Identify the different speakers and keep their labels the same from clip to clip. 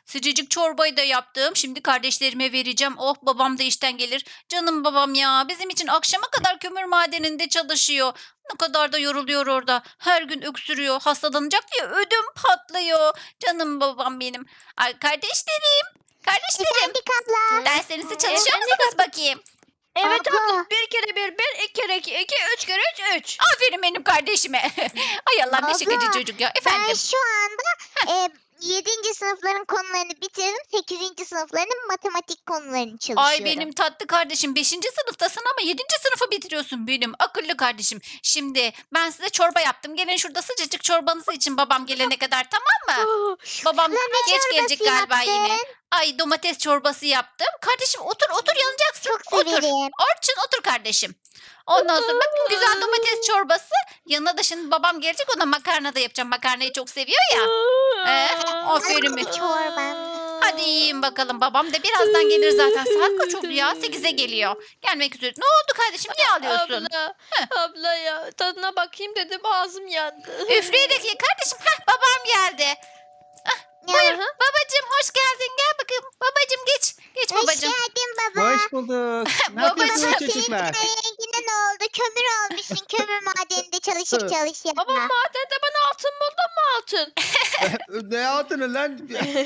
Speaker 1: Sıcacık çorbayı da yaptım. Şimdi kardeşlerime vereceğim. Oh babam da işten gelir. Canım babam ya. Bizim için akşama kadar kömür madeninde çalışıyor. Ne kadar da yoruluyor orada. Her gün öksürüyor. Hastalanacak diye ödüm patlıyor. Canım babam benim. Ay kardeşlerim. Kardeşlerim.
Speaker 2: Efendim abla.
Speaker 1: Derslerinizi çalışıyor musunuz bakayım?
Speaker 3: Evet
Speaker 2: Abla.
Speaker 3: abla. Bir kere bir, iki kere iki, üç kere üç.
Speaker 1: Aferin benim kardeşime. Ay Allah ne şakacı
Speaker 2: Abla,
Speaker 1: çocuk ya.
Speaker 2: Ben
Speaker 1: Efendim.
Speaker 2: şu anda 7. sınıfların konularını bitirdim. 8. sınıfların matematik konularını çalışıyorum.
Speaker 1: Ay benim tatlı kardeşim 5. sınıftasın ama 7. sınıfı bitiriyorsun benim akıllı kardeşim. Şimdi ben size çorba yaptım. Gelin şurada sıcacık çorbanızı için babam gelene kadar tamam mı? Babam
Speaker 2: Abla, ne
Speaker 1: geç gelecek
Speaker 2: çorbası
Speaker 1: galiba
Speaker 2: yaptın?
Speaker 1: yine. Ay domates çorbası yaptım. Kardeşim otur otur yanacaksın.
Speaker 2: Çok
Speaker 1: Otur.
Speaker 2: severim.
Speaker 1: Orçun otur kardeşim. Ondan sonra bakın güzel domates çorbası. Yanına da şimdi babam gelecek ona makarna da yapacağım. Makarnayı çok seviyor ya. Aferin
Speaker 2: Hadi
Speaker 1: mi?
Speaker 2: çorba.
Speaker 1: Hadi yiyin bakalım. Babam da birazdan gelir zaten. Saat kaç oldu ya? 8'e geliyor. Gelmek üzere. Ne oldu kardeşim? Niye ağlıyorsun?
Speaker 3: Abla ya tadına bakayım dedim ağzım yandı.
Speaker 1: Üfleyerek ye kardeşim. Heh, babam geldi.
Speaker 2: Ya,
Speaker 1: Babacım hoş geldin. Gel bakayım. Babacım geç. Geç
Speaker 2: hoş
Speaker 1: babacım.
Speaker 2: geldin baba.
Speaker 4: Hoş bulduk. Ne
Speaker 1: Babacığım.
Speaker 4: yapıyorsunuz
Speaker 2: Senin
Speaker 4: çocuklar?
Speaker 2: rengine ne oldu? Kömür olmuşsun. Kömür madeninde çalışıp çalışıp.
Speaker 3: Babam madende bana altın buldun mu altın?
Speaker 4: Ne altını lan?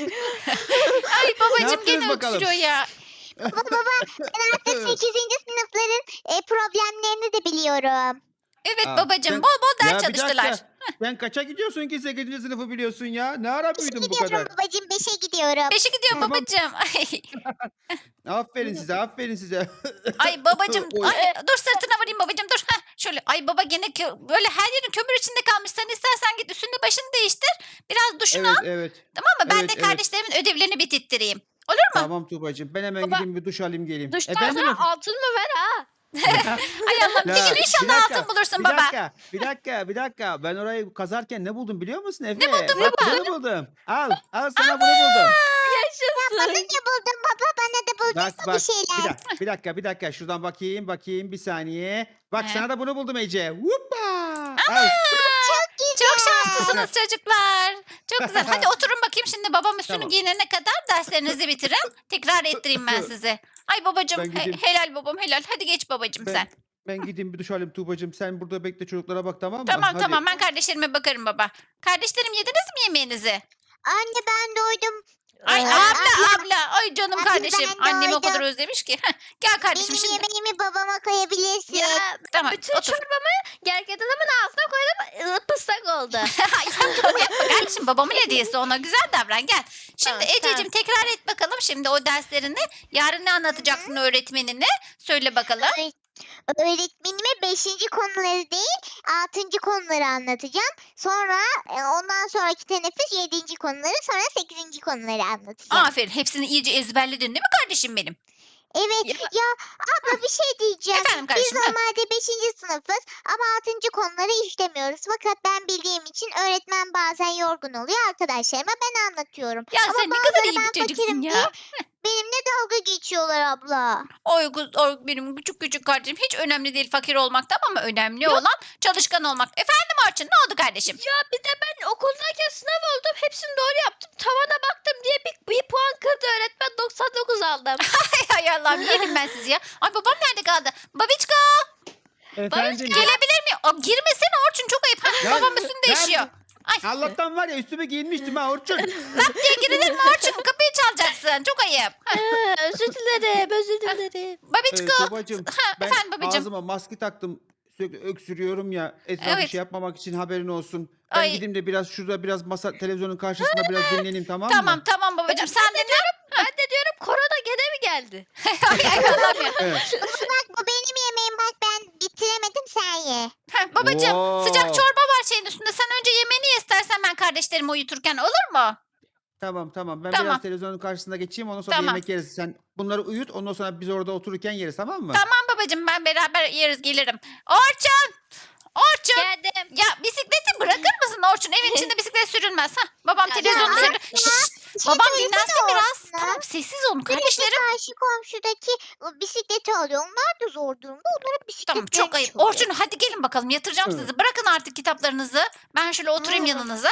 Speaker 1: Ay
Speaker 4: Ne
Speaker 1: babacım
Speaker 4: yaptınız
Speaker 1: gene
Speaker 4: bakalım?
Speaker 1: öksürüyor ya.
Speaker 2: Baba ben artık 8. sınıfların problemlerini de biliyorum.
Speaker 1: Evet
Speaker 4: Aa,
Speaker 1: babacım
Speaker 4: sen-
Speaker 1: bol bol
Speaker 4: Ya
Speaker 1: ders
Speaker 4: bir
Speaker 1: çalıştılar.
Speaker 4: dakika. Sen kaça gidiyorsun ki 8. sınıfı biliyorsun ya? Ne ara
Speaker 2: 5'e
Speaker 4: büyüdün bu
Speaker 2: gidiyorum
Speaker 4: kadar?
Speaker 2: babacığım. 5'e gidiyorum.
Speaker 1: Beşe gidiyorum
Speaker 4: Tamam.
Speaker 1: babacım.
Speaker 4: Aferin size, aferin size.
Speaker 1: Ay babacım.
Speaker 4: Oy.
Speaker 1: Ay, dur sırtına vurayım babacım dur. Heh, şöyle. Ay baba gene böyle her yerin kömür içinde kalmış. Sen istersen git üstünü başını değiştir. Biraz duşunu
Speaker 4: Evet,
Speaker 1: al.
Speaker 4: evet.
Speaker 1: Tamam mı? Ben
Speaker 4: Evet,
Speaker 1: de
Speaker 4: evet.
Speaker 1: kardeşlerimin ödevlerini bitirttireyim. Olur mu?
Speaker 4: Tamam Tuğbacığım. Ben hemen
Speaker 3: Baba,
Speaker 4: gideyim bir duş alayım geleyim.
Speaker 3: Duştan
Speaker 4: Efendim?
Speaker 3: sonra altın mı ver ha?
Speaker 1: Ay Allah'ım bir
Speaker 4: Ya,
Speaker 1: gün
Speaker 4: bir
Speaker 1: inşallah
Speaker 4: dakika,
Speaker 1: altın bulursun
Speaker 4: bir
Speaker 1: baba.
Speaker 4: dakika. Ben orayı kazarken ne buldum biliyor musun Efe?
Speaker 1: buldun
Speaker 4: Bak
Speaker 1: baba?
Speaker 4: bunu buldum. Al sana bunu buldum.
Speaker 2: Bana
Speaker 3: Yaşasın.
Speaker 2: ne buldun baba? Bana da buldun
Speaker 4: Bak
Speaker 2: mu
Speaker 4: bak
Speaker 2: bir şeyler?
Speaker 4: bir dakika şuradan bakayım bir saniye. Bak
Speaker 1: He.
Speaker 4: sana da bunu buldum Ece. Hoppa. Al.
Speaker 1: Çok şanslısınız çocuklar. Çok güzel. Hadi oturun bakayım şimdi babam üstünü
Speaker 4: Tamam.
Speaker 1: giyinene kadar derslerinizi bitirin. Tekrar ettireyim ben size. Ay babacım
Speaker 4: Ben gideyim.
Speaker 1: helal babam helal. Hadi geç babacım sen.
Speaker 4: Ben gideyim bir duş alayım Tuğbacığım. Sen burada bekle çocuklara bak tamam mı?
Speaker 1: Tamam
Speaker 4: Hadi.
Speaker 1: tamam ben kardeşlerime bakarım baba. Kardeşlerim yediniz mi yemeğinizi?
Speaker 2: Anne ben doydum.
Speaker 1: Ay
Speaker 2: Ee,
Speaker 1: abla. Ay canım
Speaker 2: Abla,
Speaker 1: kardeşim.
Speaker 2: ben
Speaker 1: Annem o kadar
Speaker 2: doydum.
Speaker 1: özlemiş ki. Heh, gel kardeşim
Speaker 2: Benim
Speaker 1: şimdi.
Speaker 2: yemeğimi babama koyabilirsin.
Speaker 3: Ya
Speaker 1: Tamam
Speaker 3: bütün
Speaker 1: otur.
Speaker 3: çorbamı gerçek adamın ağzına koydum ıslak oldu.
Speaker 1: Ay sen bunu yapma kardeşim babamın hediyesi ona güzel davran gel. Şimdi
Speaker 3: Tamam,
Speaker 1: Ececiğim tekrar et bakalım şimdi o derslerini. Yarın ne anlatacaksın öğretmenine? Söyle bakalım.
Speaker 2: Öğretmenime 5. konuları değil 6. konuları anlatacağım. Sonra ondan sonraki teneffüs 7. konuları sonra 8. konuları anlatacağım.
Speaker 1: Aferin hepsini iyice ezberledin değil mi kardeşim benim?
Speaker 2: Evet
Speaker 3: Ya-
Speaker 2: ya abla bir şey diyeceğim.
Speaker 1: Efendim
Speaker 2: Biz
Speaker 1: kardeşim. Heh.
Speaker 2: normalde 5. sınıfız ama 6. konuları işlemiyoruz. Fakat ben bildiğim için öğretmen bazen yorgun oluyor arkadaşlarıma ben anlatıyorum.
Speaker 1: Ya
Speaker 2: Ama
Speaker 1: sen ne kadar iyi
Speaker 2: ben
Speaker 1: bir çocuksun
Speaker 2: fakirim
Speaker 1: ya.
Speaker 2: diye benimle dalga geçiyorlar abla.
Speaker 1: Oy, oy benim küçük küçük kardeşim hiç önemli değil fakir olmak tamam ama önemli olan çalışkan olmak. Efendim Orçun ne oldu kardeşim?
Speaker 3: Ya bir de ben okuldayken sınav oldum. Hepsini doğru yaptım. Tavana baktım diye bir puan kırdı öğretmen. 99 aldım.
Speaker 1: Ay Allah'ım yedim ben sizi ya. Ay babam nerede kaldı? Babiçka
Speaker 4: Efendim.
Speaker 1: gelebilir mi? O, girmesene Orçun çok ayıp. Ha,
Speaker 4: Ya,
Speaker 1: babam üstünü değişiyor. Ay
Speaker 4: Allah'tan var ya üstüme giyinmiştim ha Orçun.
Speaker 1: lap diye girilir mi Orçun? Kapıyı çalacaksın. Çok ayıp. Ha,
Speaker 3: Özür dilerim, özür dilerim.
Speaker 1: Babiçka.
Speaker 4: Tuğbacığım
Speaker 1: Ha,
Speaker 4: ben
Speaker 1: efendim babacığım.
Speaker 4: ağzıma maske taktım. Sürekli öksürüyorum ya. Etrafa
Speaker 1: Evet.
Speaker 4: bir şey yapmamak için haberin olsun. Ben
Speaker 1: Ay.
Speaker 4: gideyim de biraz şurada biraz masa televizyonun karşısında biraz dinleneyim tamam mı?
Speaker 1: Tamam tamam babacığım sen dinle.
Speaker 3: Ben de diyorum korona gene mi geldi?
Speaker 1: Ay Allah'ım ya.
Speaker 4: Evet.
Speaker 2: Bak bu benim yemeğim bak ben bitiremedim sen ye.
Speaker 1: Ha, babacığım
Speaker 4: Oo.
Speaker 1: sıcak çorba var şeyin üstünde. Sen önce yemeğini ye istersen ben kardeşlerimi uyuturken olur mu?
Speaker 4: Tamam. Ben
Speaker 1: Tamam.
Speaker 4: biraz televizyonun karşısında geçeyim ondan sonra
Speaker 1: Tamam.
Speaker 4: yemek yeriz. Sen bunları uyut ondan sonra biz orada otururken yeriz tamam mı?
Speaker 1: Tamam babacığım ben beraber yeriz gelirim. Orçun! Orçun!
Speaker 3: Geldim.
Speaker 1: Ya bisikleti bırakır mısın Orçun? Evin içinde bisiklet sürülmez. Ha, babam
Speaker 3: Ya,
Speaker 1: televizyonu
Speaker 2: ya,
Speaker 1: sürüyor.
Speaker 2: ya.
Speaker 1: Şşş,
Speaker 2: Bir şey
Speaker 1: babam
Speaker 2: söylesene
Speaker 1: dinlensin biraz.
Speaker 2: Orçun'a.
Speaker 1: Tamam sessiz olun
Speaker 2: Sürekli
Speaker 1: kardeşlerim.
Speaker 2: karşı komşudaki bisikleti alıyor. Onlar da zor durumda. Onların bisikletlerini
Speaker 1: Tamam çok ayıp.
Speaker 2: çalıyor.
Speaker 1: Orçun hadi gelin bakalım yatıracağım
Speaker 4: Evet.
Speaker 1: sizi. Bırakın artık kitaplarınızı. Ben şöyle oturayım
Speaker 2: Hı.
Speaker 1: yanınıza. Heh,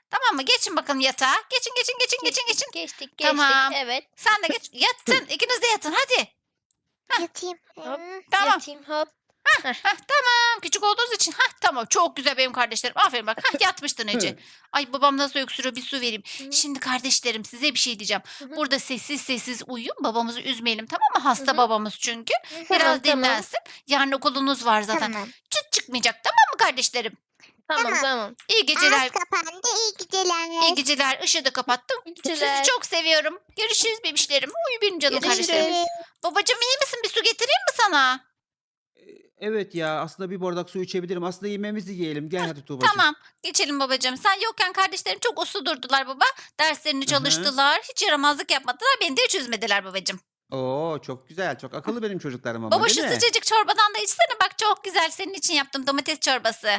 Speaker 1: Tamam mı? Geçin bakalım yatağa. Geçin.
Speaker 3: Geçtik.
Speaker 1: Tamam.
Speaker 3: Evet.
Speaker 1: Sen de geç. Yatın. İkiniz de yatın. Hadi.
Speaker 2: Yatayım.
Speaker 3: Hop.
Speaker 1: Tamam.
Speaker 3: Yatayım hop.
Speaker 1: Heh, tamam. Küçük olduğunuz için. Tamam. Çok güzel benim kardeşlerim. Aferin bak. Yatmıştın Ece. Ay babam nasıl öksürüyor, bir su vereyim.
Speaker 3: Hı.
Speaker 1: Şimdi kardeşlerim size bir şey diyeceğim.
Speaker 3: Hı hı.
Speaker 1: Burada sessiz uyuyun. Babamızı üzmeyelim, tamam mı? Hasta
Speaker 3: Hı hı.
Speaker 1: babamız çünkü. Biraz
Speaker 3: Tamam.
Speaker 1: dinlensin. Yarın okulunuz var zaten.
Speaker 2: Tamam.
Speaker 1: Çıt çıkmayacak, tamam mı kardeşlerim?
Speaker 3: Tamam.
Speaker 1: İyi geceler.
Speaker 2: Ağız kapandı. İyi geceler.
Speaker 1: İyi geceler. Işığı da kapattım.
Speaker 3: İyi
Speaker 1: Sizi
Speaker 3: geceler.
Speaker 1: çok seviyorum. Görüşürüz bebişlerim. Uyu benim canım
Speaker 3: Görüşürüz.
Speaker 1: kardeşlerim. Babacığım iyi misin? Bir su getireyim mi sana?
Speaker 4: Evet ya, aslında bir bardak su içebilirim. Aslında yemeğimizi yiyelim. Gel hadi Tuğbacığım.
Speaker 1: Tamam. Geçelim babacığım. Sen yokken kardeşlerim çok uslu durdular baba. Derslerini
Speaker 4: Hı hı.
Speaker 1: çalıştılar. Hiç yaramazlık yapmadılar. Beni de hiç üzmediler babacığım.
Speaker 4: Oo, çok güzel. Çok akıllı benim çocuklarım ama,
Speaker 1: Baba şu
Speaker 4: değil mi?
Speaker 1: sıcacık çorbadan da içsene. Bak çok güzel. Senin için yaptım domates çorbası.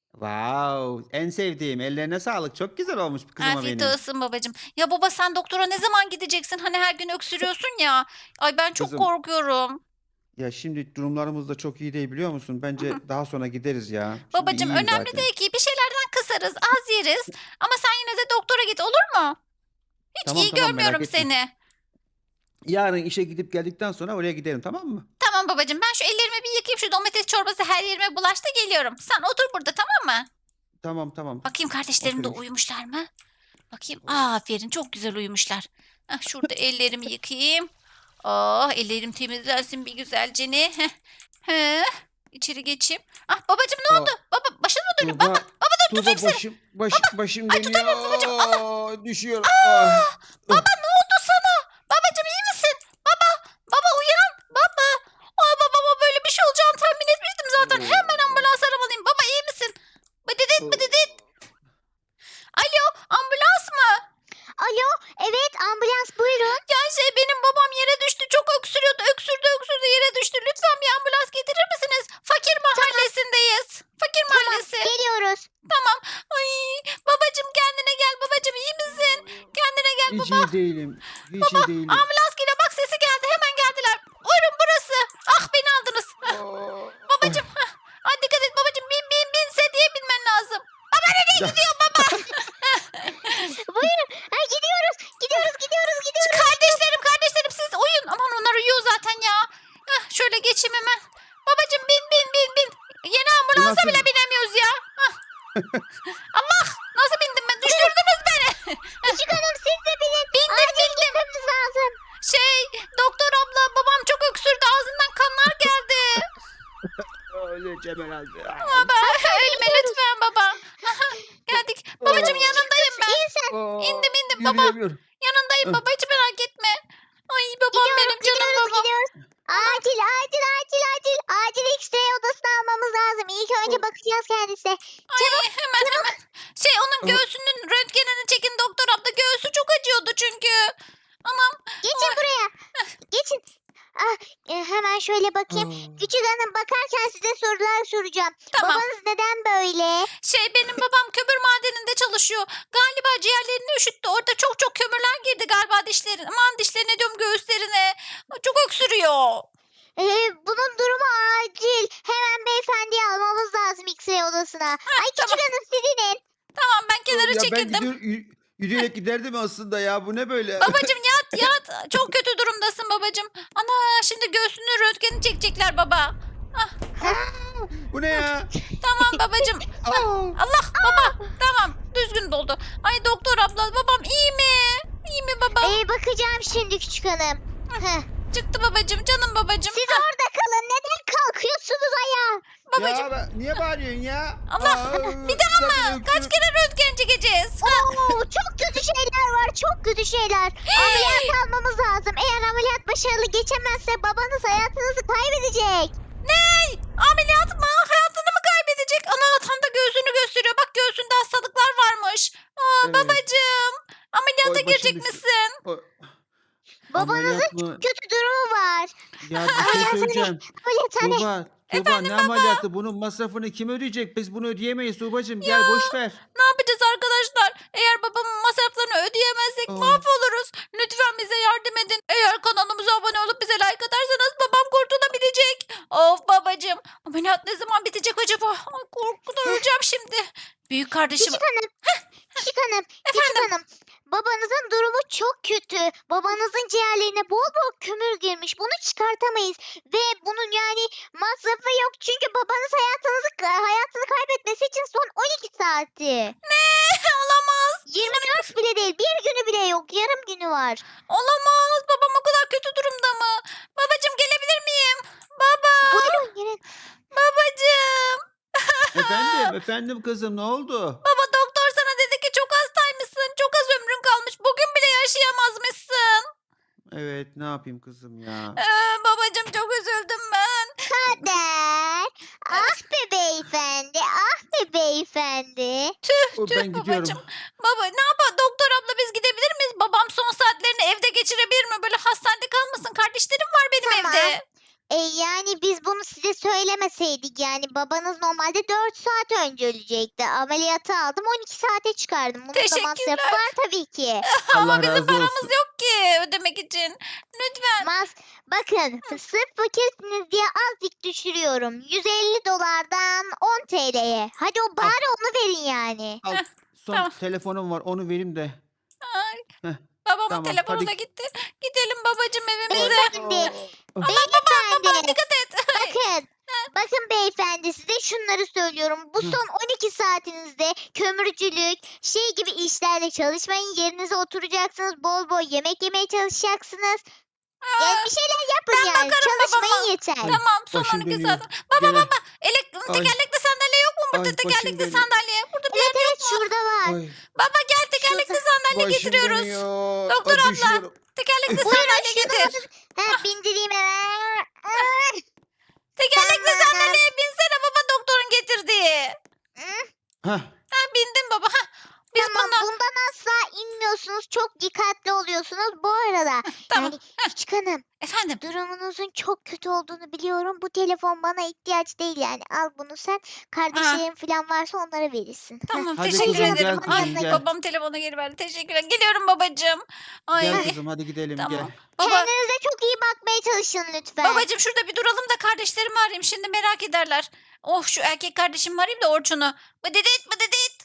Speaker 4: Wow, en sevdiğim. Ellerine sağlık. Çok güzel olmuş kızıma
Speaker 1: Afiyet
Speaker 4: benim.
Speaker 1: olsun babacığım. Ya baba sen doktora ne zaman gideceksin? Hani her gün öksürüyorsun ya. Ay ben çok
Speaker 4: Kızım,
Speaker 1: korkuyorum.
Speaker 4: ya şimdi durumlarımız da çok iyi değil, biliyor musun? Bence daha sonra gideriz ya. Şimdi
Speaker 1: Babacığım
Speaker 4: iyiyim
Speaker 1: önemli
Speaker 4: zaten.
Speaker 1: değil ki. Bir şeylerden kısarız. Az yeriz. Ama sen yine de doktora git, olur mu? Hiç
Speaker 4: Tamam,
Speaker 1: iyi
Speaker 4: tamam, merak
Speaker 1: görmüyorum
Speaker 4: etme.
Speaker 1: seni.
Speaker 4: Yarın işe gidip geldikten sonra oraya gidelim, tamam mı?
Speaker 1: Tamam babacığım, ben şu ellerimi bir yıkayayım. Şu domates çorbası her yerime bulaştı, geliyorum. Sen otur burada, tamam mı?
Speaker 4: Tamam, tamam.
Speaker 1: Bakayım kardeşlerim de
Speaker 4: Oturayım.
Speaker 1: uyumuşlar mı? Bakayım. Aferin, çok güzel uyumuşlar. Şurada ellerimi yıkayayım. Ellerim temizlensin bir güzelce ne. İçeri geçeyim. Babacığım ne
Speaker 4: Aa,
Speaker 1: oldu? Baba başın mı dönüyor? Baba dur
Speaker 4: Tuğba,
Speaker 1: tutayım seni.
Speaker 4: başım
Speaker 1: Ay, tutamıyorum babacığım, Allah.
Speaker 4: dönüyor. Düşüyorum. Ah.
Speaker 1: Baba ne oldu sana? Babacığım iyi misin? Baba uyan. Baba. Ay babama böyle bir şey olacağını tahmin etmiştim zaten. Hemen ambulans aramalıyım. Baba iyi misin? Bıdıdıt. Alo, ambulans mı?
Speaker 2: Alo. Evet ambulans buyurun.
Speaker 1: Ya benim babam yere düştü. Çok öksürüyordu. Öksürdü yere düştü. Lütfen bir ambulans getirir misiniz? Fakir mahallesindeyiz. Fakir mahallesi.
Speaker 2: Geliyoruz.
Speaker 1: Ay babacığım kendine gel babacığım, iyi misin? Kendine gel
Speaker 4: Hiç
Speaker 1: baba.
Speaker 4: iyi değilim. Hiç iyi değilim.
Speaker 1: Ambulans geliyor, bak sesi geldi, hemen geldiler. Buyurun burası. Beni aldınız. Babacığım. Ay dikkat et babacığım, bin diye binmen lazım. Baba nereye gidiyor baba?
Speaker 2: Buyurun. Ha, gidiyoruz.
Speaker 1: Kardeşlerim siz uyuyun. Aman onlar uyuyor zaten ya. Şöyle geçeyim hemen. Babacığım bin. Yeni ambulansa
Speaker 4: Nasıl?
Speaker 1: bile binemiyoruz ya. Allah, nasıl bindim ben? Düşürdünüz beni.
Speaker 2: Küçük hanım siz de binin.
Speaker 1: Bindim.
Speaker 2: Gitmemiz lazım.
Speaker 1: Doktor abla babam çok öksürdü, ağzından kanlar geldi.
Speaker 4: Öleceğim herhalde.
Speaker 1: Baba ölme lütfen baba. Geldik. Babacığım yanındayım ben.
Speaker 2: İyi sen.
Speaker 1: İndim baba.
Speaker 4: Yürüyemiyorum.
Speaker 1: Yanındayım baba, hiç merak etme. Ay babam benim canım babam.
Speaker 2: Gidiyoruz. Acil. Acil X-ray odasına almamız lazım. İlk önce bakacağız kendisine.
Speaker 1: Ay hemen. Onun göğsünün röntgenini çekin doktor abla. Göğsü çok acıyordu çünkü. Anam.
Speaker 2: Geçin buraya. Geçin. Hemen şöyle bakayım. Küçük hanım bakarken size sorular soracağım.
Speaker 1: Tamam.
Speaker 2: Babanız neden böyle?
Speaker 1: Benim babam kömür madeninde çalışıyor. Galiba ciğerlerini üşüttü. Orada çok kömürler girdi galiba dişlerine. Aman dişlerine diyorum, göğüslerine. Çok öksürüyor.
Speaker 2: Bunun durumu acil. Hemen beyefendiyi almamız lazım X-ray odasına. Ay küçük
Speaker 1: tamam.
Speaker 2: hanım siz inin.
Speaker 1: Tamam ben kenara
Speaker 4: Ya ben
Speaker 1: çekildim.
Speaker 4: yürüyerek giderdim aslında ya. Bu ne böyle?
Speaker 1: Babacım yat. Çok kötü durumdasın babacım. Ana şimdi göğsünün röntgenini çekecekler baba.
Speaker 4: Bu ne ya?
Speaker 1: Tamam babacım. Allah baba. Tamam düzgün doldu. Ay doktor abla babam iyi mi? İyi mi baba?
Speaker 2: Bakacağım şimdi küçük hanım. Heh.
Speaker 1: Çıktı babacım, canım babacım.
Speaker 2: Siz orada kalın. Neden kalkıyorsunuz ayağa?
Speaker 1: Babacım.
Speaker 4: Ya niye bağırıyorsun ya?
Speaker 1: Allah, bir daha mı? Kaç kere röntgen çekeceğiz?
Speaker 2: Çok kötü şeyler var. Çok kötü şeyler. Ameliyat almamız lazım. Eğer ameliyat başarılı geçemezse babanız hayatınızı kaybedecek.
Speaker 1: Ameliyat mı? Hayatını mı kaybedecek? Ana tam da göğsünü gösteriyor. Bak göğsünde hastalıklar varmış.
Speaker 4: Evet.
Speaker 1: Babacığım. Ameliyata
Speaker 4: Oy, başım
Speaker 1: girecek
Speaker 4: düştü.
Speaker 1: misin?
Speaker 2: Babanızın
Speaker 4: Ameliyat mı?
Speaker 2: kötü durumu var.
Speaker 4: Ya bir şey söyleyeceğim.
Speaker 2: Ameliyathane.
Speaker 4: Tuğba ne ameliyatı? Bunun masrafını kim ödeyecek? Biz bunu ödeyemeyiz Tuğbacığım. Gel boş ver.
Speaker 1: Ne yapacağız arkadaşlar? Eğer babamın masraflarını ödeyemezsek mahvoluruz. Lütfen bize yardım edin. Eğer kanalımıza abone olup bize like atarsanız babam kurtulabilecek. Of babacığım. Ameliyat ne zaman bitecek acaba? Ay, korkudan öleceğim şimdi. Büyük kardeşim.
Speaker 2: Küçük hanım. çok kötü. Babanızın ciğerlerine bol bol kömür girmiş. Bunu çıkartamayız. Ve bunun yani masrafı yok. Çünkü babanız hayatını kaybetmesi için son 12 saati.
Speaker 1: Olamaz.
Speaker 2: 24 bile değil. Bir günü bile yok. Yarım günü var.
Speaker 1: Olamaz. Babam o kadar kötü durumda mı? Babacığım gelebilir miyim? Baba.
Speaker 2: Buyurun gelin.
Speaker 1: Babacığım.
Speaker 4: Efendim kızım ne oldu?
Speaker 1: Baba doktor sana dedi ki çok hastaymışsın. Çok az ömrün kalmış. Bugün bile yaşayamazmışsın.
Speaker 4: Evet ne yapayım kızım ya.
Speaker 1: Babacığım çok üzüldüm ben.
Speaker 2: Kader. Ah be beyefendi. Ah be beyefendi.
Speaker 4: Ben gidiyorum.
Speaker 1: Babacığım. Baba ne yapalım? Doktor abla biz gidebilir miyiz? Babam son saatlerini evde geçirebilir mi? Böyle hastanede kalmasın. Kardeşlerim var benim
Speaker 2: Tamam.
Speaker 1: evde.
Speaker 2: Yani biz bunu size söylemeseydik yani babanız normalde 4 saat önce ölecekti. Ameliyata aldım 12 saate çıkardım. Bunun da masrafı
Speaker 1: Teşekkürler.
Speaker 2: var tabii ki.
Speaker 1: Ama
Speaker 4: Allah
Speaker 1: bizim
Speaker 4: razı
Speaker 1: paramız
Speaker 4: olsun.
Speaker 1: yok ki ödemek için. Lütfen.
Speaker 2: Bakın sırf fakirsiniz diye azıcık düşürüyorum. 150 dolardan 10 TL'ye. Hadi o bari onu verin yani.
Speaker 4: Al, son
Speaker 1: tamam.
Speaker 4: telefonum var onu vereyim de.
Speaker 1: Ay,
Speaker 4: Heh,
Speaker 1: babamın
Speaker 4: tamam,
Speaker 1: telefonu
Speaker 4: hadi.
Speaker 1: da gitti. Gidelim babacığım evimize.
Speaker 2: Beyefendi.
Speaker 1: Baba
Speaker 2: Beyefendi.
Speaker 1: dikkat et.
Speaker 2: Bakın beyefendi size şunları söylüyorum. Bu
Speaker 4: Hı.
Speaker 2: son 12 saatinizde kömürcülük, şey gibi işlerle çalışmayın. Yerinize oturacaksınız. Bol bol yemek yemeye çalışacaksınız. Yani bir şeyler yapın
Speaker 1: ben
Speaker 2: yani.
Speaker 1: bakarım
Speaker 2: Çalışmayın
Speaker 1: babama.
Speaker 2: yeter.
Speaker 1: Tamam son
Speaker 4: Başım
Speaker 1: 12
Speaker 4: dönüyor.
Speaker 1: saat. Baba
Speaker 4: Gene.
Speaker 1: tekerlekli sandalye yok mu burada?
Speaker 4: Ay, başım
Speaker 1: Tekerlekli
Speaker 4: dönüyor.
Speaker 1: sandalye. Burada bir
Speaker 2: Evet
Speaker 1: yer
Speaker 2: evet şurada var.
Speaker 4: Ay,
Speaker 1: Baba gel tekerlekli sandalye
Speaker 4: başım
Speaker 1: getiriyoruz.
Speaker 4: dönüyor.
Speaker 1: Doktor
Speaker 4: Ay,
Speaker 1: abla.
Speaker 4: düşüyorum.
Speaker 1: Tekerlekli
Speaker 2: Buyurun
Speaker 1: sandalye
Speaker 2: şunu
Speaker 1: getir.
Speaker 2: bindireyim hemen.
Speaker 1: Tekerlekli
Speaker 2: Tamam.
Speaker 1: sandalyeye binsene baba doktorun getirdiği.
Speaker 4: Hah,
Speaker 1: Ha bindim baba. Ha. Biz
Speaker 2: Tamam
Speaker 1: bundan...
Speaker 2: bundan asla inmiyorsunuz. Çok dikkatli oluyorsunuz. Bu arada
Speaker 1: Tamam.
Speaker 2: yani küçük hanım
Speaker 1: Efendim.
Speaker 2: durumunuzun çok kötü olduğunu biliyorum. Bu telefon bana ihtiyaç değil yani. Al bunu sen. Kardeşlerin falan varsa onlara verirsin.
Speaker 1: Tamam
Speaker 4: Hadi
Speaker 1: teşekkür
Speaker 4: kızım,
Speaker 1: ederim.
Speaker 4: gel kızım,
Speaker 1: Ay
Speaker 4: gel.
Speaker 1: babam telefonu geri verdi. Teşekkürler. Geliyorum babacığım. Ay.
Speaker 4: gel kızım hadi gidelim
Speaker 1: Tamam.
Speaker 4: gel.
Speaker 1: Baba,
Speaker 2: Kendinize çok iyi bakmaya çalışın lütfen.
Speaker 1: babacığım şurada bir duralım da kardeşlerimi arayayım. Şimdi merak ederler. Oh şu erkek kardeşimi arayayım da Orçun'u. Bıdıdıt bıdıdıt.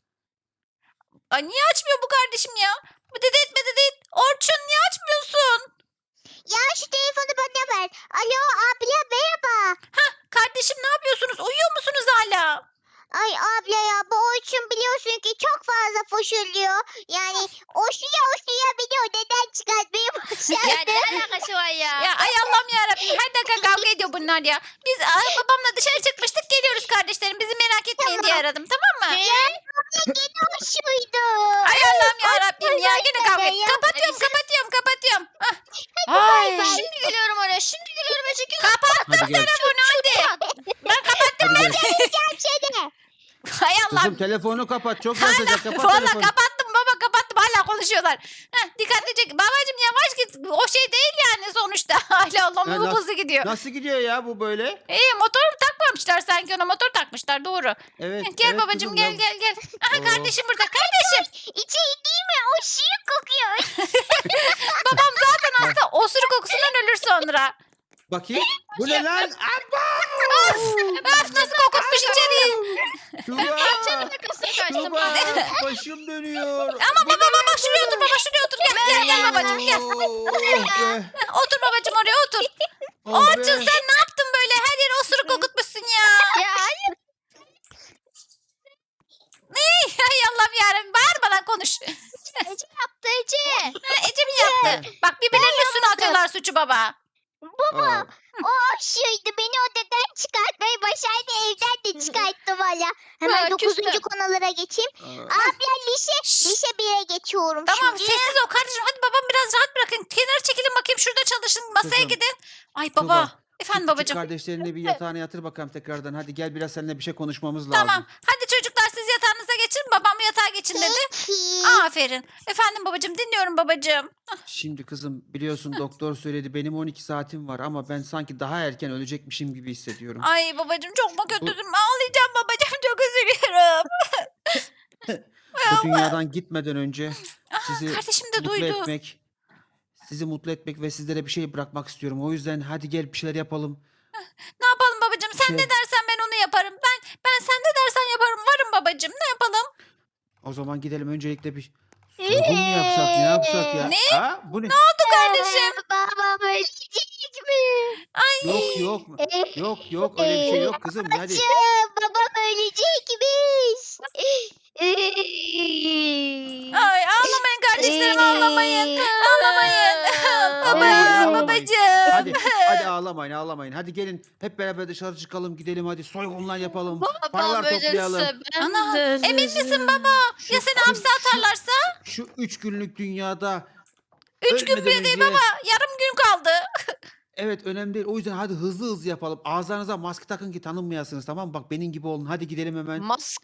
Speaker 1: Ay niye açmıyor bu kardeşim ya? Bıdıdıt bıdıdıt. Orçun niye açmıyorsun?
Speaker 2: Ya şu telefonu bana ver. Alo abla merhaba.
Speaker 1: Kardeşim ne yapıyorsunuz? Uyuyor musunuz hala?
Speaker 2: Ay abla ya bu Orçun biliyorsun ki çok fazla foşuluyor. Yani oşluya biliyor neden çıkartmaya başladı.
Speaker 3: Ya ne alakası var ya?
Speaker 1: Ya ay Allah'ım yarabbim her dakika kavga ediyor bunlar ya. Biz babamla dışarı çıkmıştık geliyoruz kardeşlerim. Bizi merak etmeyin diye aradım tamam mı?
Speaker 2: Hoşuydu.
Speaker 1: Ay Allah'ım yarabbim ya yine kavga
Speaker 2: ya.
Speaker 1: et. Kapatıyorum. Hah.
Speaker 2: Bay
Speaker 1: Ay.
Speaker 2: bay.
Speaker 3: Şimdi geliyorum oraya. Şimdi geliyorum Ece.
Speaker 1: Kapattım
Speaker 4: Hadi gel.
Speaker 1: telefonu hadi. Ben kapattım.
Speaker 4: Hadi gel.
Speaker 2: Gerçekten.
Speaker 1: Hay
Speaker 4: Kızım
Speaker 1: Allah'ım.
Speaker 4: telefonu kapat çok yazacak kapat
Speaker 1: Valla
Speaker 4: telefonu.
Speaker 1: kapattım baba kapattım hala konuşuyorlar. Dikkatlice babacığım yavaş git. O şey değil yani sonuçta. Hala Allah'ım
Speaker 4: Ya
Speaker 1: bu
Speaker 4: nasıl-
Speaker 1: hızlı gidiyor.
Speaker 4: Nasıl gidiyor ya bu böyle?
Speaker 1: İyi motor takmamışlar sanki ona motor takmışlar doğru.
Speaker 4: Evet.
Speaker 1: Gel
Speaker 4: evet
Speaker 1: babacığım
Speaker 4: kızım
Speaker 1: gel
Speaker 4: ya.
Speaker 1: gel. Aha
Speaker 4: Oo.
Speaker 1: kardeşim burada kardeşim.
Speaker 2: İçeri değil mi? O şiir kokuyor.
Speaker 1: Babam zaten hasta osuruk kokusundan ölür sonra.
Speaker 4: Bakayım. Bu ne lan?
Speaker 1: Öf nasıl kokutmuş içeriği.
Speaker 4: Tuba.
Speaker 3: Arkasına kaçtım.
Speaker 4: Tuba. Başım dönüyor.
Speaker 1: Ama baba şuraya otur baba şuraya otur. Gel babacığım gel.
Speaker 4: Oh be.
Speaker 1: Otur babacığım oraya otur.
Speaker 4: Oh
Speaker 1: Orçun
Speaker 4: be.
Speaker 1: sen ne yaptın böyle? Her yere osuruk kokutmuşsun ya.
Speaker 3: Ya hayır.
Speaker 1: Ay Allah'ım yarabbim bağırmadan konuş.
Speaker 3: Ece yaptı Ece.
Speaker 1: Ece mi yaptı? Bak birbirlerinin üstüne atıyorlar suçu baba.
Speaker 4: Aa,
Speaker 2: O hoşuydu. Beni odadan çıkartmayı başardı. Evden de çıkarttı valla. Hemen
Speaker 3: Ha,
Speaker 2: 9.
Speaker 3: küstüm.
Speaker 2: konulara geçeyim.
Speaker 4: aa.
Speaker 2: Abla lise 1'e geçiyorum
Speaker 1: Tamam
Speaker 2: şimdi.
Speaker 1: sessiz ol kardeşim. Hadi babam biraz rahat bırakın. Kenara çekilin bakayım şurada çalışın. Masaya
Speaker 4: Kızım,
Speaker 1: gidin. Ay
Speaker 4: Tuba,
Speaker 1: baba. Efendim
Speaker 4: Küçük
Speaker 1: babacığım.
Speaker 4: kardeşlerini bir yatağına yatır bakalım tekrardan. Hadi gel biraz seninle bir şey konuşmamız lazım.
Speaker 1: Tamam. Hadi çocuklar siz yatağınıza geçin. Babam yatağa geçin dedi.
Speaker 2: Peki.
Speaker 1: Aferin. Efendim babacığım dinliyorum babacığım.
Speaker 4: Şimdi kızım biliyorsun doktor söyledi benim 12 saatim var ama ben sanki daha erken ölecekmişim gibi hissediyorum.
Speaker 1: Ay babacığım çok mu kötüsün? Ağlayacağım babacığım çok üzülüyorum.
Speaker 4: Bu dünyadan gitmeden önce sizi
Speaker 1: Kardeşim de
Speaker 4: mutlu
Speaker 1: duydu.
Speaker 4: etmek, sizi mutlu etmek ve sizlere bir şey bırakmak istiyorum. O yüzden hadi gel bir şeyler yapalım.
Speaker 1: Ne yapalım babacığım? Sen
Speaker 4: Şey-
Speaker 1: ne dersen ben onu yaparım. Ben sen ne dersen yaparım. Varım babacığım. Ne yapalım?
Speaker 4: O zaman gidelim öncelikle bir Soygun mu yapsak ne yapsak ya?
Speaker 1: Ne?
Speaker 4: Ha? Bu ne?
Speaker 1: oldu kardeşim?
Speaker 2: Babam ölecek mi?
Speaker 4: Yok yok. Yok öyle bir şey yok kızım hadi.
Speaker 2: Babacığım, babam ölecekmiş.
Speaker 1: Ay ağlamayın kardeşlerim ağlamayın. Ağlamayın.
Speaker 4: Ağlamayın,
Speaker 1: Baba,
Speaker 4: ağlamayın.
Speaker 1: babacığım.
Speaker 4: Hadi ağlamayın. Hadi gelin hep beraber dışarı çıkalım gidelim hadi soygunlar yapalım. Paralar
Speaker 3: Babam
Speaker 4: toplayalım.
Speaker 3: ölürse ben
Speaker 1: Ana,
Speaker 3: de
Speaker 1: emin misin
Speaker 3: ölürüm.
Speaker 1: baba?
Speaker 4: Şu-
Speaker 1: Ya seni
Speaker 4: şu-
Speaker 1: hapse atarlarsa?
Speaker 4: Şu 3 günlük dünyada
Speaker 1: 3 gün
Speaker 4: ölmeden
Speaker 1: bile değil
Speaker 4: önce-
Speaker 1: baba. Yarım gün kaldı.
Speaker 4: Evet önemli değil. O yüzden hadi hızlı yapalım. Ağızlarınıza maske takın ki tanınmayasınız tamam mı? Bak benim gibi olun. Hadi gidelim hemen.
Speaker 3: Mask.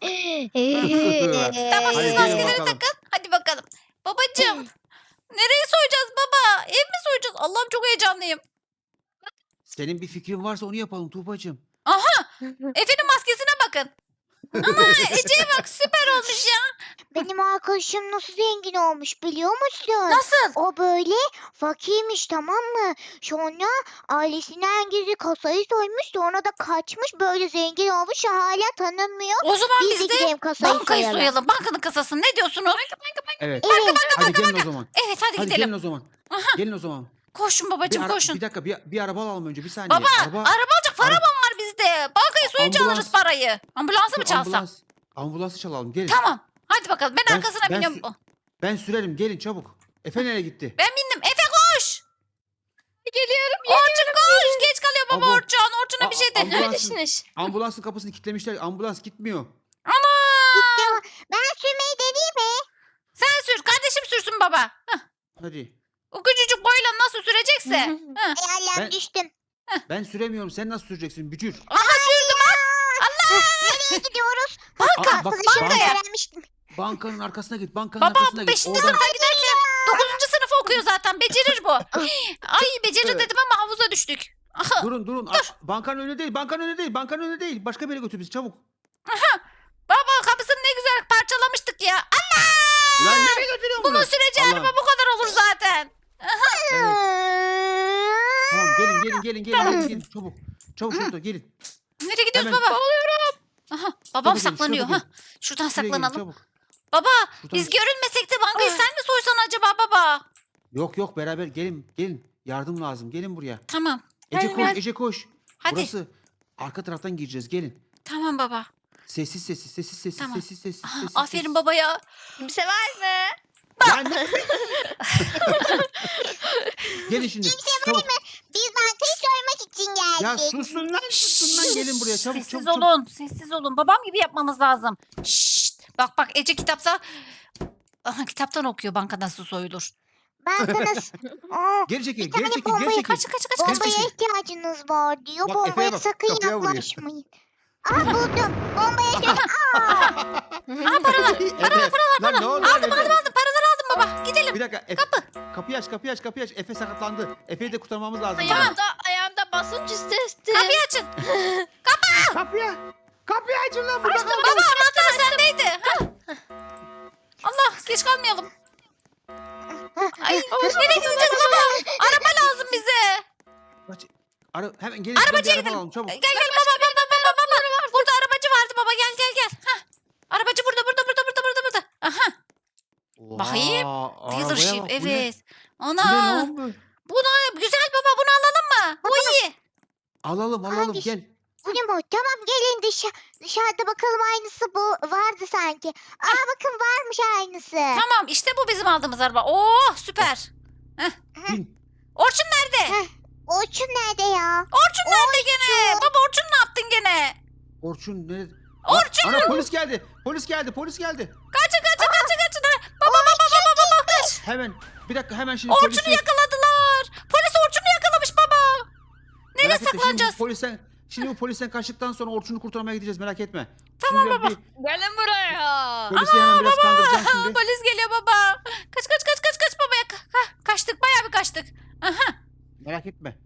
Speaker 1: Tamam
Speaker 4: Hadi
Speaker 1: siz
Speaker 4: gelin
Speaker 1: maskeleri
Speaker 4: bakalım.
Speaker 1: takın. Hadi bakalım. Babacığım. Nereye soyacağız baba? Ev mi soyacağız? Allah'ım çok heyecanlıyım.
Speaker 4: Senin bir fikrin varsa onu yapalım Tuğbacığım.
Speaker 1: Efe'nin maskesine bakın. Ama Ece'ye bak süper olmuş ya.
Speaker 2: Benim arkadaşım nasıl zengin olmuş biliyor musun?
Speaker 1: Nasıl?
Speaker 2: O böyle fakirmiş tamam mı? Sonra ailesinden gizli kasayı soymuş sonra da kaçmış böyle zengin olmuş hala tanınmıyor.
Speaker 1: O zaman
Speaker 2: Biz
Speaker 1: biz
Speaker 2: de
Speaker 1: de
Speaker 2: gidelim kasayı
Speaker 1: bankayı
Speaker 2: soyalım.
Speaker 1: soyalım. Bankanın kasasını ne diyorsunuz?
Speaker 4: Evet.
Speaker 2: Evet.
Speaker 4: Hadi gelin o zaman.
Speaker 1: Evet hadi
Speaker 4: Hadi
Speaker 1: gidelim.
Speaker 4: gelin o zaman. Gelin o zaman.
Speaker 1: Koşun babacığım koşun.
Speaker 4: Bir dakika bir araba alalım önce bir saniye.
Speaker 1: Baba
Speaker 4: Araba,
Speaker 1: araba alacak para mı var bizde? Bankayı soyunca
Speaker 4: Ambulans.
Speaker 1: alırız parayı. Ambulansı mı
Speaker 4: Şu
Speaker 1: çalsam?
Speaker 4: Ambulansı çalalım gelin.
Speaker 1: Tamam. Hadi bakalım ben
Speaker 4: Ben-
Speaker 1: arkasına
Speaker 4: ben
Speaker 1: biniyorum.
Speaker 4: Ben sürerim gelin çabuk. Efe nereye gitti?
Speaker 1: Ben bindim. Efe koş.
Speaker 3: Geliyorum.
Speaker 1: Orçun koş. Geç kalıyor baba
Speaker 4: Abo.
Speaker 1: Orçun. Orçun'a bir şey de.
Speaker 4: Ambulansın,
Speaker 3: Neredesiniz?
Speaker 4: ambulansın kapısını kilitlemişler. Ambulans gitmiyor.
Speaker 1: Ama
Speaker 2: Ya, ben sürmeyi deneyeyim mi?
Speaker 1: sen sür. Kardeşim sürsün baba. Hah.
Speaker 4: Hadi.
Speaker 1: O küçücük boyla nasıl sürecekse. Hah.
Speaker 2: Ay Allah'ım
Speaker 4: Ben-
Speaker 2: düştüm.
Speaker 4: Ben süremiyorum. Sen nasıl süreceksin bücür?
Speaker 1: Aha sürdüm bak.
Speaker 2: Nereye gidiyoruz?
Speaker 1: Banka.
Speaker 4: bak,
Speaker 2: Arkadaşımla
Speaker 1: bankaya.
Speaker 2: öğrenmiştim.
Speaker 4: Bankanın arkasına git. Bankanın
Speaker 1: Baba
Speaker 4: arkasına
Speaker 1: bu
Speaker 4: git.
Speaker 1: 5. sınıfa giderken 9. sınıfı okuyor zaten. Becerir bu. Ay becerir
Speaker 4: Evet.
Speaker 1: dedim ama havuza düştük. Aha.
Speaker 4: Durun. Bankanın önü değil. Bankanın önü değil. Başka bir yere götür bizi çabuk.
Speaker 1: Baba kapısını ne güzel parçalamıştık ya. Allah!
Speaker 4: Lan nereye götürüyorsun bunu?
Speaker 1: Bunun süreceği
Speaker 4: Allah.
Speaker 1: araba bu kadar olur zaten.
Speaker 4: Evet. Tamam gelin. Çabuk şurada gelin.
Speaker 1: Nereye gidiyoruz
Speaker 4: Hemen.
Speaker 1: baba? Aha, babam
Speaker 4: Çabuk gelin,
Speaker 1: saklanıyor.
Speaker 4: çabuk
Speaker 1: Ha. Şuradan
Speaker 4: Şuraya gelin,
Speaker 1: saklanalım.
Speaker 4: çabuk.
Speaker 1: Baba
Speaker 4: Şuradan-
Speaker 1: biz görünmesek de bankayı
Speaker 3: Ay.
Speaker 1: sen mi soysan acaba baba?
Speaker 4: Yok beraber gelin. Yardım lazım. Gelin buraya.
Speaker 1: Tamam.
Speaker 4: Ece
Speaker 3: Gelin,
Speaker 4: koş, Ece koş.
Speaker 1: Hadi.
Speaker 4: Burası arka taraftan gireceğiz. Gelin.
Speaker 1: Tamam baba.
Speaker 4: Sessiz.
Speaker 1: Tamam.
Speaker 4: Sessiz.
Speaker 1: Aha, aferin baba ya.
Speaker 3: Kimse var mı?
Speaker 4: Lan ne- Gelin şimdi. Çabuk.
Speaker 2: Biz bankayı soymak için
Speaker 4: Ya
Speaker 2: geldik.
Speaker 4: susun lan. Gelin buraya çabuk
Speaker 1: Sessiz
Speaker 4: çabuk.
Speaker 1: olun. Sessiz olun. Babam gibi yapmamız lazım. Şşt. Bak Ece kitapta. Aha, kitaptan okuyor banka nasıl soyulur.
Speaker 2: Bankanız. Aa,
Speaker 4: Geri çekil,
Speaker 2: Bir tane
Speaker 4: geri çekil,
Speaker 2: bombayı
Speaker 4: geri çekil.
Speaker 1: Kaç.
Speaker 2: bombaya
Speaker 4: çekil.
Speaker 2: ihtiyacınız var diyor.
Speaker 4: Bak, Efe'ye
Speaker 2: Bombaya
Speaker 4: bak,
Speaker 2: sakın
Speaker 4: kapıya vuruyor.
Speaker 2: yaklaşmayın. Aa buldum. Bombaya şöyle.
Speaker 1: Aa paralar.
Speaker 4: Lan ne oldu?
Speaker 1: Aldım paraları aldım baba. Gidelim.
Speaker 4: Bir dakika. Kapıyı aç. Efe sakatlandı. Efe'yi de kurtarmamız lazım.
Speaker 3: Ayağımda basınç hissettim.
Speaker 1: Kapıyı açın.
Speaker 4: Kapıyı açın lan burada.
Speaker 1: Baba anahtar sendeydi. Ha. Allah geç kalmayalım. Ay nereye gideceğiz baba? Araba lazım bize.
Speaker 4: Hemen gelin.
Speaker 1: Arabacıya
Speaker 4: bir araba
Speaker 1: gidelim.
Speaker 4: alalım çabuk.
Speaker 1: Gel baba. Burada arabacı vardı baba gel. Ha. Arabacı burada. Aha. Bakayım.
Speaker 4: Oha,
Speaker 1: Dealership
Speaker 4: arabaya bak, bu ne?
Speaker 1: evet.
Speaker 4: Bu ne
Speaker 1: Ana.
Speaker 4: lan bu?
Speaker 1: Buna güzel baba bunu alalım mı? Bu iyi.
Speaker 4: Alalım
Speaker 2: Hangisi?
Speaker 4: gel.
Speaker 2: Bu ne bu? Tamam gelin dışarıda bakalım aynısı bu vardı sanki. Aa bakın varmış aynısı.
Speaker 1: Tamam işte bu bizim aldığımız araba. Oh süper.
Speaker 4: Bin.
Speaker 1: Orçun nerede?
Speaker 2: Orçun nerede ya?
Speaker 1: Orçun nerede gene? Baba Orçun ne yaptın gene?
Speaker 4: Orçun nerede?
Speaker 1: Orçun!
Speaker 4: Ana polis geldi.
Speaker 1: Kaçın. Ha. Baba kaç.
Speaker 4: Hemen. Bir dakika hemen şimdi
Speaker 1: Orçun'u
Speaker 4: polisi.
Speaker 1: yakaladılar. Polis Orçun'u yakalamış baba. Nereye
Speaker 4: Merak etme,
Speaker 1: saklanacağız?
Speaker 4: Şimdi bu polisten kaçtıktan sonra Orçun'u kurtarmaya gideceğiz merak etme.
Speaker 1: Tamam
Speaker 4: Şimdi ben
Speaker 3: Gelin buraya.
Speaker 4: polisi hemen biraz kandıracağım şimdi.
Speaker 1: Polis geliyor baba. Kaç baba. Kaçtık bayağı bir kaçtık. Aha.
Speaker 4: Merak etme.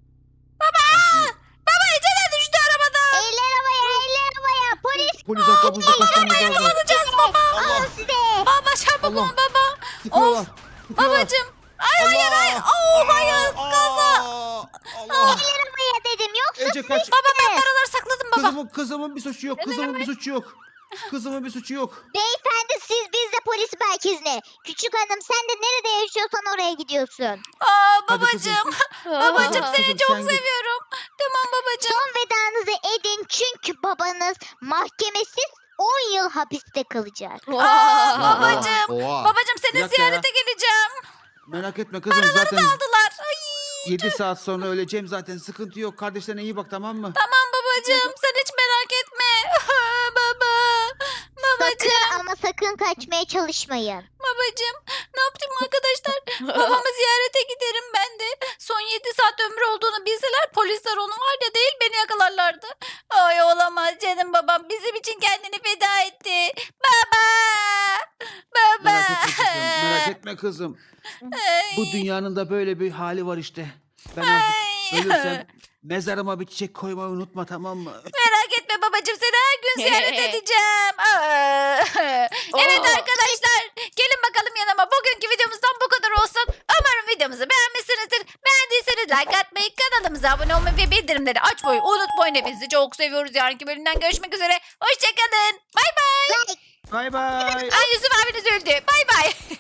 Speaker 1: Baba Ece de düştü arabada.
Speaker 2: Eller havaya. Polis
Speaker 4: Polis arkamızda kaçmamız lazım.
Speaker 1: Alacağız baba.
Speaker 2: alın size.
Speaker 1: Baba çabuk
Speaker 4: Allah.
Speaker 1: ol baba.
Speaker 4: Tıkıyorlar.
Speaker 1: Babacım. Hayır. Oh hayır.
Speaker 4: Kaza. Allah.
Speaker 2: Eller havaya dedim. Yoksa
Speaker 4: Ece kaç.
Speaker 1: Baba ben paraları sakladım baba.
Speaker 4: Kızımın bir suçu yok. Kızımın bir suçu yok.
Speaker 2: Beyefendi biz de polis merkezine. Küçük hanım sen de nerede yaşıyorsan oraya gidiyorsun.
Speaker 1: Aa
Speaker 4: Hadi kızım.
Speaker 1: babacığım. Babacığım
Speaker 3: Aa.
Speaker 1: seni
Speaker 4: Kızım,
Speaker 1: çok
Speaker 4: sen git.
Speaker 1: seviyorum. Tamam babacığım.
Speaker 2: Son vedanızı edin çünkü babanız mahkemesiz 10 yıl hapiste kalacak.
Speaker 1: Aa, babacığım.
Speaker 4: Oha.
Speaker 1: Babacığım
Speaker 4: Bir
Speaker 1: seni
Speaker 4: dakika ya.
Speaker 1: ziyarete geleceğim.
Speaker 4: Merak etme kızım zaten
Speaker 1: Aldılar. Ay.
Speaker 4: 7 saat sonra öleceğim zaten. Sıkıntı yok. Kardeşlerine iyi bak, tamam mı?
Speaker 1: Tamam babacığım sen hiç merak etme. Baba. Babacığım.
Speaker 2: Sakın ama sakın kaçmaya çalışmayın.
Speaker 1: Babacığım ne yaptım arkadaşlar? Babamı ziyarete giderim ben de. Son 7 saat ömrü olduğunu bilseler polisler onu var ya değil beni yakalarlardı. Ay olamaz canım babam bizim için kendini feda etti. Baba. Baba.
Speaker 4: Merak etme kızım. Merak etme kızım.
Speaker 1: Ay.
Speaker 4: Bu dünyanın da böyle bir hali var işte. Ben artık
Speaker 1: Ay.
Speaker 4: ölürsem mezarıma bir çiçek koymayı unutma, tamam mı?
Speaker 1: Merak etme babacığım seni her gün ziyaret edeceğim. Aa. Evet arkadaşlar gelin bakalım yanıma. Bugünkü videomuzdan bu kadar olsun. Umarım videomuzu beğenmişsinizdir. Beğendiyseniz like atmayı, kanalımıza abone olmayı ve bildirimleri açmayı unutmayın. Hepinizi çok seviyoruz. Yarınki bölümden görüşmek üzere. Hoşçakalın. Bay bay.
Speaker 2: Like
Speaker 4: Bay bay.
Speaker 1: Ay Yusuf abiniz öldü. Bay bay.